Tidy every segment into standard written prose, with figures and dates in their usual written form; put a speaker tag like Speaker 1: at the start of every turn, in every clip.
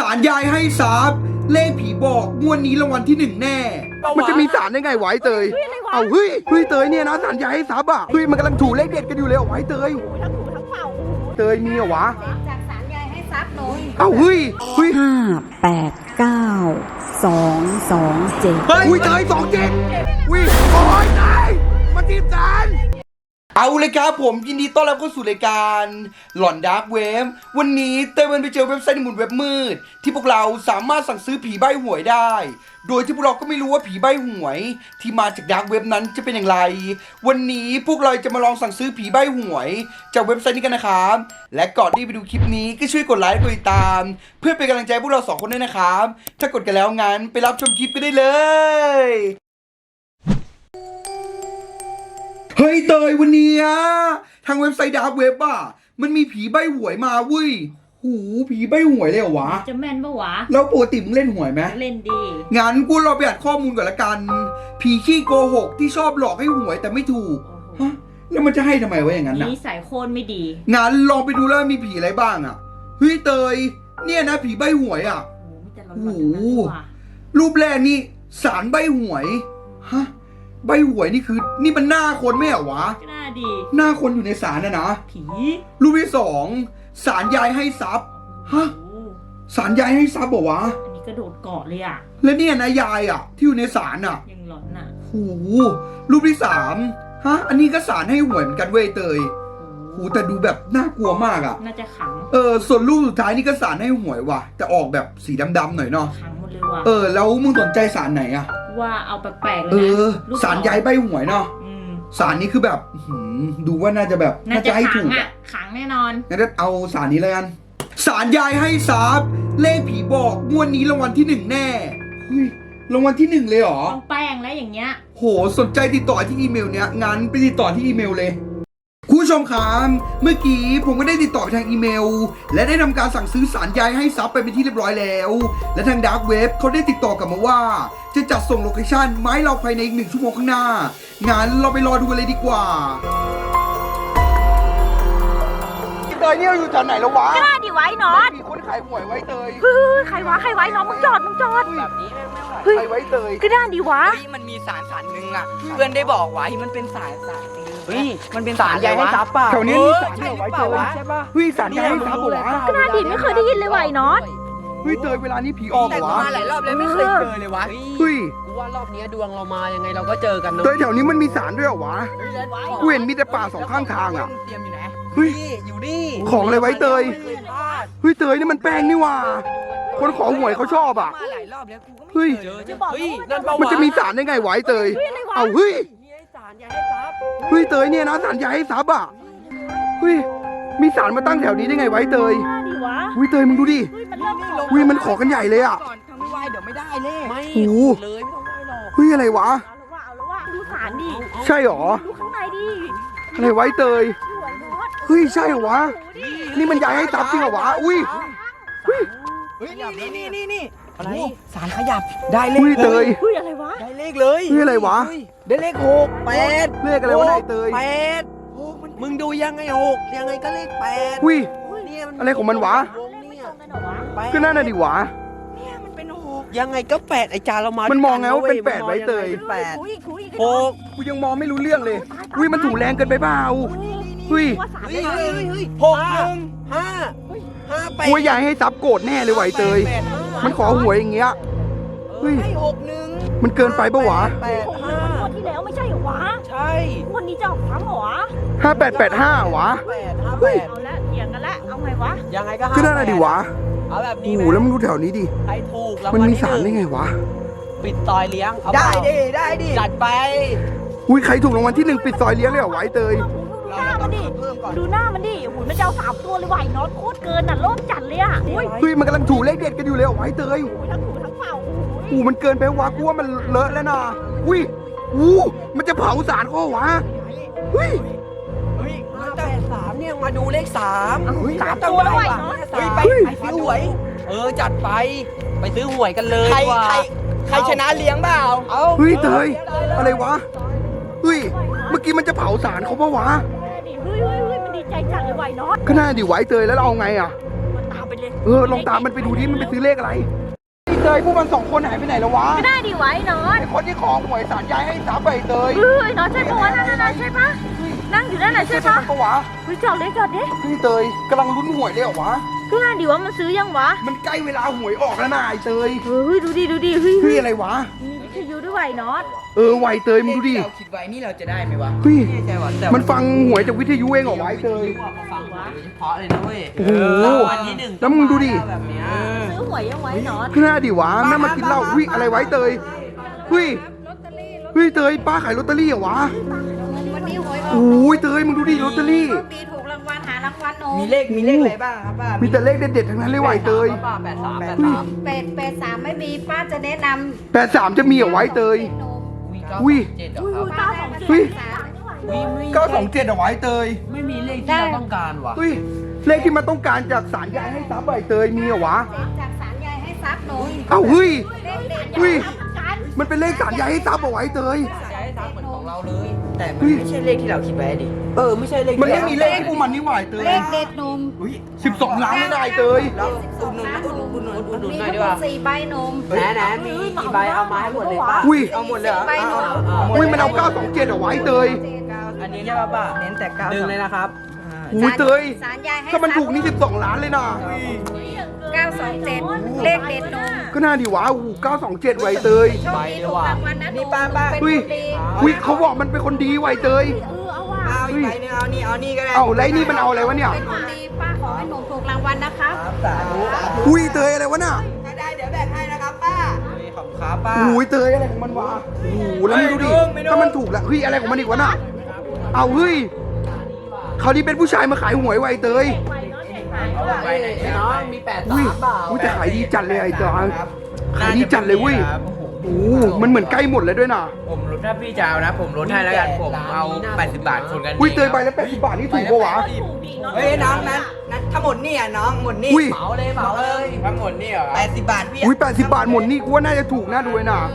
Speaker 1: ารยายให้ทรัพย์เลขผีบอกงวดนี้รางวัลที่1แน่มันจะมีสารได้ไงไหวเตยเอาเฮ้ยเตยเนี่ยนะสารยายให้ทรัพย์อ่ะเฮ้ยมันกำลังถูเลขเด็ดกันอยู่เลยไหวเตย
Speaker 2: ทั้งถูทั้งเป่า
Speaker 1: เตยมีเหรอวะ
Speaker 2: จากสารยายให้ทรัพย์หน่อย
Speaker 1: เอาเฮ้ย
Speaker 3: 5 8 9 2 2 7
Speaker 1: เฮ้ยเตย27วิโอ้ยตายมาทีมสารเอาเลยครับผมยินดีต้อนรับเข้าสู่รายการหลอนดาร์กเว็บวันนี้เต้ยไปเจอเว็บไซต์ในหมุนเว็บมืดที่พวกเราสามารถสั่งซื้อผีใบ้หวยได้โดยที่พวกเราก็ไม่รู้ว่าผีใบ้หวยที่มาจากดาร์กเว็บนั้นจะเป็นอย่างไรวันนี้พวกเราจะมาลองสั่งซื้อผีใบ้หวยจากเว็บไซต์นี้กันนะครับและก่อนที่ไปดูคลิปนี้ก็ช่วยกดไลค์กดติดตามเพื่อเป็นกำลังใจพวกเรา2คนด้วยนะครับถ้ากดกันแล้วงั้นไปรับชมคลิปกันได้เลยเฮ้ยเตยวันนี้ทางเว็บไซต์ดาร์กเว็บอ่ะมันมีผีใบ้หวยมาเว้ยหูผีใบ้หวยเลยเหรอวะ
Speaker 2: จะแม่นปะวะ
Speaker 1: แล้วปกติมึงเล่นหวยไหม
Speaker 2: เล่นดี
Speaker 1: งั้นกูเราไปอ่านข้อมูลก่อนละกันผีขี้โกหกที่ชอบหลอกให้หวยแต่ไม่ถูกฮะแล้วมันจะให้ทำไมวะอย่างนั้นน่ะ
Speaker 2: นิสัยโคนไม่ดี
Speaker 1: งั้นลองไปดูแล้วมีผีอะไรบ้างอ่ะเฮ้ยเตยเนี่ยนะผีใบ้หวยอ่ะ
Speaker 2: โอ้โห
Speaker 1: รูปแรกนี่สารใบ้หวยฮะใบหวยนี่คือนี่มันหน้าคนไม่เหรอวะ
Speaker 2: หน้าดี
Speaker 1: หน้าคนอยู่ในศาลนะ
Speaker 2: ผี
Speaker 1: รูปที่2ศาลยายให้ทรัพย์ฮะศาลยายให้ทรัพย์บอกวะ
Speaker 2: อันนี้กระโดดเกาะเลยอ่ะ
Speaker 1: แล้วเนี่ยนะยายอ่ะที่อยู่ในศาลอ่ะ
Speaker 2: ยังหลอนอ่ะ
Speaker 1: โอ้รูปที่3ฮะอันนี้ก็ศาลให้หวยเหมือนกันเว้ยเตยโอ้แต่ดูแบบน่ากลัวมากอ่ะ
Speaker 2: น่าจะขัง
Speaker 1: ส่วนรูปสุดท้ายนี่ก็ศาลให้หวยว่ะแต่ออกแบบสีดำๆหน่อยเนาะ
Speaker 2: ขังหมดเลยว่ะ
Speaker 1: แล้วมึงสนใจศาลไหนอ่ะ
Speaker 2: ว่าเอาแปลกๆเลยนะ
Speaker 1: ศาลยายใบหวยเนาะศาลนี้คือแบบดูว่าน่าจะแบบ
Speaker 2: น่าจะ
Speaker 1: ให้ถูก
Speaker 2: ขังแน่นอน
Speaker 1: งั้นเอาศาลนี้เลยกันศาลยายให้ทรัพย์เลขผีบอกงวดนี้รางวัลที่1แน่เฮ้ยรางวัลที่1เลยเหรอ
Speaker 2: ต้องแป้งแล้วอย่างเงี้ย
Speaker 1: โหสนใจติดต่อที่อีเมลเนี้ยงั้นไปติดต่อที่อีเมลเลยคุณผู้ชมครับเมื่อกี้ผมก็ได้ติดต่อไปทางอีเมลและได้ทำการสั่งซื้อสารยายให้ซับไปเป็นที่เรียบร้อยแล้วและทางดาร์กเว็บเขาได้ติดต่อกลับมาว่าจะจัดส่งโลเคชั่นมาให้เราภายในอีก1 ชั่วโมงข้างหน้างั้นเราไปรอดูกันเลยดีกว่าเตยเนี่ยอยู่แถวไหนแล้ววะ
Speaker 2: กล้าดิไว้นอต
Speaker 1: มีคนขายหวยไว้เตย
Speaker 2: ใครไว้น้องมึงจอด
Speaker 1: แบบนี้ไม่ไหวใครไว้เตย
Speaker 2: กล้าดิวะ
Speaker 4: มันมีสารหนึ่งอ่ะเพื่อนได้บอกไว้มันเป็นสารเฮ้ยมันเป็นสารใหญ่ให้ซับป่ะ
Speaker 1: แถวนี้มีสารไว้เตย
Speaker 4: ใช่ป่ะ
Speaker 1: เฮ้ยสารใหญ่ให้ซับเหรอก
Speaker 2: ล้าดิไม่เคยได้ยินเลยไว้นอต
Speaker 1: เฮ้ยเตยเวลานี้ผีออกเหรอวะ
Speaker 4: มาหลายรอบแล้วไม่เคยเจอเลยวะ
Speaker 1: เฮ้ย
Speaker 4: กูว่ารอบนี้ดวงเรามายังไงเราก็เจอกันเนอะ
Speaker 1: เตยแถวนี้มันมีสารด้วยเหรอวะกูเห็นมีแต่ป่า2ข้างทางอ่ะ
Speaker 4: เตรียมอยู่ไหน
Speaker 1: เฮ้ย
Speaker 4: อยู่นี่
Speaker 1: ของอะไรไว้เตยเฮ้ยเตยนี่มันแป้งนี่ว่าคนขอหวยเขาชอบอ่ะ
Speaker 4: มาหลายรอบแล้วกูก็
Speaker 1: เฮ้ยมันจะมีสารได้ไงไว้เตยเอาเฮ้ยเฮ้ยเตยเนี่ยนะสารยายให้ทรัพย์อ่ะเฮ้ยมีสารมาตั้งแถวนี้ได้ไงไว้เตยเฮ้ยเตยมึงดูดิเฮ้ยมันขอกันใหญ่เลยอ่ะ
Speaker 4: ทำไม่ไหวเดี๋ยวไม่ได้เลยไม่
Speaker 1: โอ้
Speaker 4: เลยไม่ต้องไหวหรอก
Speaker 1: เฮ้ยอะไรวะ
Speaker 2: ดูสารดิ
Speaker 1: ใช่หรอ
Speaker 2: ดูข้างในดิ
Speaker 1: อะไรไว้เตยเฮ้ยใช่เหรอวะนี่มันยายให้ทรัพย์จริงเหรอวะอุ้ย
Speaker 4: เฮ้ยนี่อะไรสารขยับได้เลข
Speaker 1: เตย
Speaker 2: เฮ้ยอะไรวะ
Speaker 4: ได้เลขเลย
Speaker 1: เฮ้ยอะไรวะ
Speaker 4: ได้เลข6 8
Speaker 1: เลขอะไรวะไอ้เตย
Speaker 4: 8มึงดูยังไง6ยังไงก็เลข8
Speaker 1: อุ้ยอะไรของมันวะก็น่าดิวะ
Speaker 4: เนี่ยมันเป็น6ยังไงก็8ไอ้จาเรามา
Speaker 1: มันมองไงว่าเป็น8ไว้เตย
Speaker 4: 6
Speaker 1: กูยังมองไม่รู้เรื่องเลยอุ้ยมันถูแรงเกินไปเปล่าเฮ้ย
Speaker 4: 6 1 5 8
Speaker 1: กูยายให้ซับโกรธแน่เลยไว้เตยมันขอหวยอย่างเงี้ยเฮ้ย
Speaker 4: 6 1
Speaker 1: มันเกินไปปะวะ
Speaker 2: 6 1วันที่แล้วไม่ใช่เหรอวะ
Speaker 4: ใช่
Speaker 2: วันนี้จะออกซ้ำเหรอ
Speaker 1: 5885วะ
Speaker 2: เอาละเถียงกันละเอาไงวะ
Speaker 4: ยังไงก็
Speaker 1: ก็น่าดิวะ
Speaker 4: เอาแบบนี้
Speaker 1: โอ้แล้วมึงดูแถวนี้ดิ
Speaker 4: ใครถูก
Speaker 1: มันมีสารได้ไงวะ
Speaker 4: ปิดซอยเลี้ยงได้ดิจัดไป
Speaker 1: อุ้ยใครถูกรางวัลที่1ปิดซอยเลี้ยงเลยเหรอไว้เตย
Speaker 2: หน้ามันดิดูหน้ามันดิโอ้ยมันจะเอา3 ตัวเลยไหวน็อตโคตรเกินน่ะโลภจัดเลยอ่ะ
Speaker 1: เฮ้ยมันกำลังถูเลขเด็ดกันอยู่เลยไว้เตย
Speaker 2: ทั้งถูทั้งเป่า
Speaker 1: มันเกินไปวะกูว่ามันเลอะแล้วนะอุ้ยมันจะเผาสารเขาวะเฮ้ย
Speaker 4: แต่3เนี่ยมาดูเลข3
Speaker 2: ตัวแล้วไหวน็อต
Speaker 4: ไปซื้อหวยจัดไปซื้อหวยกันเลยใครชนะเลี้ยงเปล่า
Speaker 1: เฮ้ยเตยอะไรวะเฮ้ยเมื่อกี้มันจะเผาสารเขาปะวะ
Speaker 2: เฮ้ยมันดีใจจัดเลยไหวน็อต
Speaker 1: ก็น่าดิไว้เตยแล้วเราเอาไงอ่ะ
Speaker 2: ตามไปไปเลย
Speaker 1: ลองตามมันไปดูดิมันไปซื้อเลขอะไรไอ้เตยพวกมัน2 คนหายไปไหนแล้ววะ
Speaker 2: ก็ได้ดิไว้น็อต
Speaker 1: ไอ้คนที่ของหวยสารยายให้สามใบเตย
Speaker 2: น็อตใช่ปะวะนั่นใช่ปะนั่งอยู่นั่นน่ะใช่ปะ
Speaker 1: ปะวะ
Speaker 2: จอดดิ
Speaker 1: พี่เตยกำลังลุ้นหวยเลยเหรอวะ
Speaker 2: ก็ได้ดิวะมันซื้อยังวะ
Speaker 1: มันใกล้เวลาหวยออกแล้วนะไอ้เตย
Speaker 2: ดูดิ
Speaker 1: อะไรวะ
Speaker 2: มีวิทยุด้วยไว้น็อต
Speaker 1: ไวเตยมึงดูดิ
Speaker 4: เราคิดไว้นี่เราจะได้ไหมวะ
Speaker 1: เฮ้ย
Speaker 4: ไม่แน่ใจว่ะแต่
Speaker 1: มันฟังหวยจากวิทยุเองเหรอวะไอ้เตย
Speaker 4: ฟังมาโดยเฉพาะเลยนะเว้ย
Speaker 1: โอ้โห
Speaker 4: วันที่1
Speaker 1: แล้วมึงดูดิ
Speaker 4: แบบเนี้ย
Speaker 2: ซื้อหวยยังไว้น็อต
Speaker 1: ขึ้นหน้าดิวะแม่มากินเหล้าอะไรไว้เตยเฮ้ยเตยป้าขายลอตเตอรี่เหรอวะ
Speaker 3: วันนี้หวยออก
Speaker 1: โอ้ยเตยมึงดูดิลอตเตอรี่
Speaker 3: โชคดีถูกรางวัลหารางวัลโอ้
Speaker 4: มีเลขอะไรบ้างครับป้า
Speaker 1: มีแต่เลขเด็ดๆทั้งนั้นเลยว่ะไอ้เตย
Speaker 4: ป้า83
Speaker 3: 883ไม่มีป้าจะแนะน
Speaker 1: 83จะมีเหรอไวะไอ้เตย
Speaker 3: ำ
Speaker 1: อุ้ย
Speaker 4: 7เหรอ
Speaker 2: อุ้ย
Speaker 4: ครับ
Speaker 2: 927
Speaker 1: เฮ้ย
Speaker 4: ไม่
Speaker 1: 927เอาไว้เตย
Speaker 4: ไม่มีเลขที่เราต้องการว่ะ
Speaker 1: เฮ้ยเลขที่มันต้องการจากสารยายให้ซับใบเตยมีเหรอวะ
Speaker 3: จากสารยายให้ทรัพย์หนู
Speaker 1: เอ้าเฮ้ย
Speaker 3: เลขเด็ด
Speaker 1: เฮ้ยมันเป็นเลขสารยายให้ซับเอาไว้เตย
Speaker 4: จะให้ซ้ำเหมือนของเราเลย แต่มันไม่ใช่เลขที่เราคิดไว้ดิไม่ใช่เลข
Speaker 1: มันไม่มีเลขให้พวกมันนี่หว่าไอ้เตย
Speaker 3: เลขเด็ดหนุ่ม
Speaker 1: 12 ล้านไม่ได้เตย
Speaker 4: เราอุดหนุนหน่อย
Speaker 3: มี
Speaker 4: ดี
Speaker 3: ทั้งหม
Speaker 4: กว่า
Speaker 3: ด4ใบหนุ่ม
Speaker 4: ไหนมีกี่ใบเอามาให้หมดเลยป้า
Speaker 1: อุ้ย
Speaker 4: เอาหมดเลยเหรอ
Speaker 3: 10ใบหนุ่ม
Speaker 1: อุ้ยมันเอา927เอาไว้เตย
Speaker 4: อันนี้ใช่ป่ะป้าเน้นแต่ดึงเลยนะครับ
Speaker 1: อุ้ยเตย
Speaker 3: สารยายให้
Speaker 1: ถ้ามันถูกนี่12 ล้านเลยนะ
Speaker 3: 927เลขเด็ดหนุ่ม
Speaker 1: ก็น่าดีวะ927ไว้เตย
Speaker 3: โชคดีถูกรางวัลนะห
Speaker 4: นี่
Speaker 3: นุ่ม
Speaker 4: ป้า
Speaker 3: เป็น
Speaker 1: เฮ้ย
Speaker 3: คนดี
Speaker 1: อุ้ยเขาบอกมันเป็นคนดีไว้เตย
Speaker 2: เอาว่ะ
Speaker 4: เอาอีกใบนึงเอานี่ก็ได้
Speaker 1: เอ้าแล้วไอ้นี่มันเอาอะไรวะเนี่ย
Speaker 3: เป็นคนดีป้าขอให้หนุ่มถูกรางวัลนะคะ
Speaker 4: สาธุ
Speaker 1: อุ้ยเตยอะไรวะน่ะ
Speaker 4: ถ้าได้เดี๋ยวแบ่งให้นะครับป้าขอบครับป้า
Speaker 1: อุ้ยเตยอะไรของมันวะโอ้โหแล้วมึงดูดิ
Speaker 4: ไม่โดน
Speaker 1: ถ้ามันถูกแล้วเฮ้ยอะไรของมันอีกวะน่ะเอาเฮ้ยเขาวนี้เป็นผู้ชายมาขายหวยไว้เตย
Speaker 4: ไปไหนน้องมี83
Speaker 1: อุ้ย
Speaker 4: เปล่า
Speaker 1: อุ้ยแต่ขายดีจัดเลยไอ้เตยขายดีจัดเลยเว้ยโอ้โหมันเหมือนใกล้หมดเลยด้วยน่ะ
Speaker 5: ผมลดถ้าพี่จะเอานะ ผมลดให้แล้วกัน ผมเอา80 บาทคนกัน
Speaker 1: อุ้ยเตยใบละ80 บาทนี่ถูกปะวะ
Speaker 4: เฮ้ยน้องนั้นถ้าหมดนี่อ่ะน้องหมดนี่
Speaker 1: อุ้ย
Speaker 4: เหมาเลย
Speaker 5: ทั้งหมดนี่เหรอ
Speaker 4: 80 บาทพี่
Speaker 1: อุ้ย80 บาทหมดนี่กูว่าน่าจะถูกน่าดูเลยน่ะ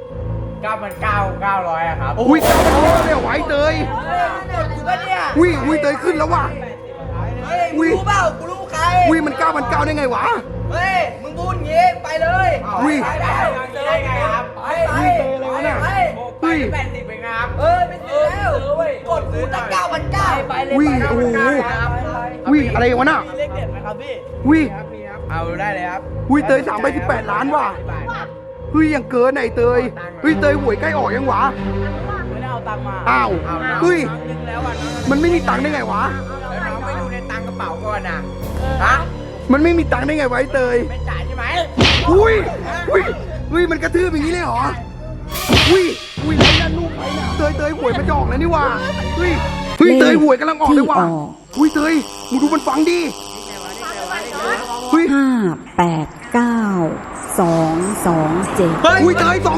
Speaker 5: 9,900อะครับ
Speaker 1: อุ้ยเก้าพันเก้าเลยเหรอวะไอ้เตย
Speaker 4: กูปะเนี่ย
Speaker 1: อุ้ยเตยขึ้นแล้วว่ะ
Speaker 4: เฮ้ยมึงรู้เปล่ากูรู้ใคร
Speaker 1: อุ้ยมัน9,900ได้ไงวะ
Speaker 4: เฮ้ยมึงพูดอย่างงี้ไปเลย
Speaker 1: อุ้ย
Speaker 4: ไปได้ไงครับไป
Speaker 1: อุ้ยเตยอะไรวะเนี่ย
Speaker 4: ไป
Speaker 1: เฮ้ย
Speaker 5: 80เป็นไงครับ
Speaker 4: ไม่ซื้อแล้วกดกูตั้ง9,900ไปเลย
Speaker 1: อุ้ย
Speaker 4: ไป
Speaker 1: โอ้โห
Speaker 4: ครับ
Speaker 1: อุ้ยอะไรวะน่ะ
Speaker 4: เลขเด็ดไหมครับพี่
Speaker 1: อุ้ย
Speaker 5: เอาได้เลยครับ
Speaker 1: อุ้ยเตย3ใบ18 ล้านว่ะเฮ้ยยังเกินไหนเตยเฮ้ยเตยหวยใกล้ออกยังวะ
Speaker 4: ไม่ได้เอาตังค์มา
Speaker 1: อ้าวเฮ้ย
Speaker 4: นึงแล้วอ่ะ
Speaker 1: มันไม่มีตังค์ได้ไงวะ
Speaker 5: แล้วน้องไม่ดูในตังกระเป๋าก่อนนะฮะ
Speaker 1: มันไม่มีตังค์ได้ไงวะไอ้เตย
Speaker 5: ไม่จ่ายใช่ไหม
Speaker 1: อุ้ยอุ้ยมันกระทืบอย่างนี้เลยเหรออุ้ยแล้วนั่นลูกใครน่ะเตยหวยมันจะออกแล้วนี่ว่ะเฮ้ยเตยหวยกำลังออกเลยว่ะอุ้ยเตยมึงดูมันฟังดิเฮ้ย
Speaker 6: 589 227
Speaker 1: อุ้ยเตย27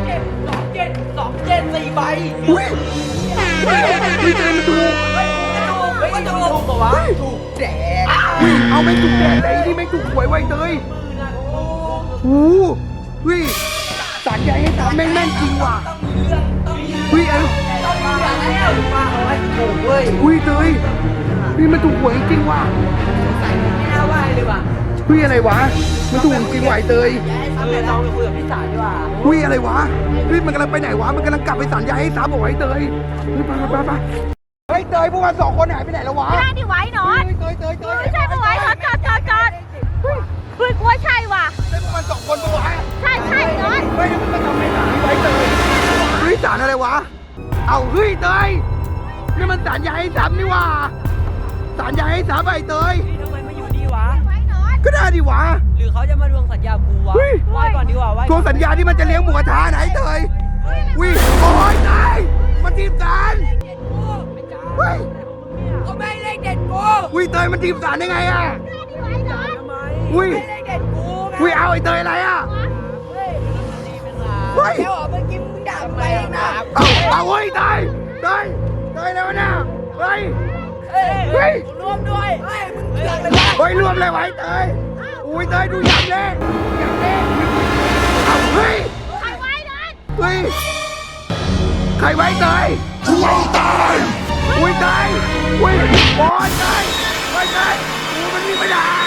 Speaker 4: 4ใบ
Speaker 1: อุ้ยเตยมันถูก
Speaker 4: ไม่ถูกปะวะถูกแดก
Speaker 1: อุ้ยเอาไม่ถูกแดดแต่อีนี่ไม่ถูกหวยไว้เตยโอ้โหเฮ้ยสารใหญ่ให้ตามแม่นจริงว่ะเฮ้ย
Speaker 4: ป้าเอาไว้ถูกเว้ย
Speaker 1: อุ้ยเตยเฮ้ยมันถูกหวยจริงว่ะ
Speaker 4: ไม่น่าไหวเลยว่ะ
Speaker 1: เฮ้ยอะไรวะมันถูกจริงว่ะไอ้เตย
Speaker 4: น้องไปคุยกับพี่สาวดีกว่า
Speaker 1: อุ้ยอะไรวะเฮ้ยมันกำลังไปไหนวะมันกำลังกลับไปสารใหญ่ให้ตามบอกไอ้เตยเฮ้ยไปเฮ้ยเตยพวกมัน2 คนหายไปไหนแล้ววะ
Speaker 2: ได้ดิไว้น็อต
Speaker 1: เตย
Speaker 2: ไม่ใช่ปะไว้น็อตจอดเฮ้ยกูว่าใช่ว่ะ
Speaker 1: เฮ้ยพวกมัน2 คนปะวะ
Speaker 2: ใช่น็อต
Speaker 1: เฮ้ยมันมาทำไมสารนี้ไว้เตยเฮ้ยสารอะไรวะเอาเฮ้ยเตยนี่มันสารใหญ่ให้ซ้ำนี่ว่ะสารใหญ่ให้ซ้ำไอ้เตย
Speaker 4: ทำไมมาอยู่ดีวะ
Speaker 1: ก็ได้ดิวะ
Speaker 4: หรือเขาจะมาทวงสัญญากูวะ
Speaker 1: เฮ้ย
Speaker 4: ไหว้ก่อนดีกว่าไหว้
Speaker 1: ทวงสัญญาที่มันจะเลี้ยงหมูกระทะไหนเตยวิโอ้ยตายมันทีมสารเฮ้ย
Speaker 4: ก็ไม่เลขเด็ดกู
Speaker 1: วิเตยมันทีมสารได้ไงอ่ะ
Speaker 4: ทำไม
Speaker 1: วิ
Speaker 4: เลขเด็ดกูไง
Speaker 1: วิเอาไอ้เตยอะไรอ่ะเฮ้ย
Speaker 4: แล้วเมื่อกี้มึงด่าไปนะ
Speaker 1: เอาเฮ้ยเตยแล้วนะเฮ้ย
Speaker 4: เฮ้ยร่วมด้วยเฮ้ยมึงเถื่อนไปแล้ว
Speaker 1: เฮ้ยรวมเลยไว้เตยอุ้ยเตยดูยำเลยเอาเฮ้ย
Speaker 2: ใครไว้น็อต
Speaker 1: เฮ้ยใครไว้เตยช่วยตายอุ้ยเตยอุ้ยบอยเตยไว้เตยกูมันมีไม่ได้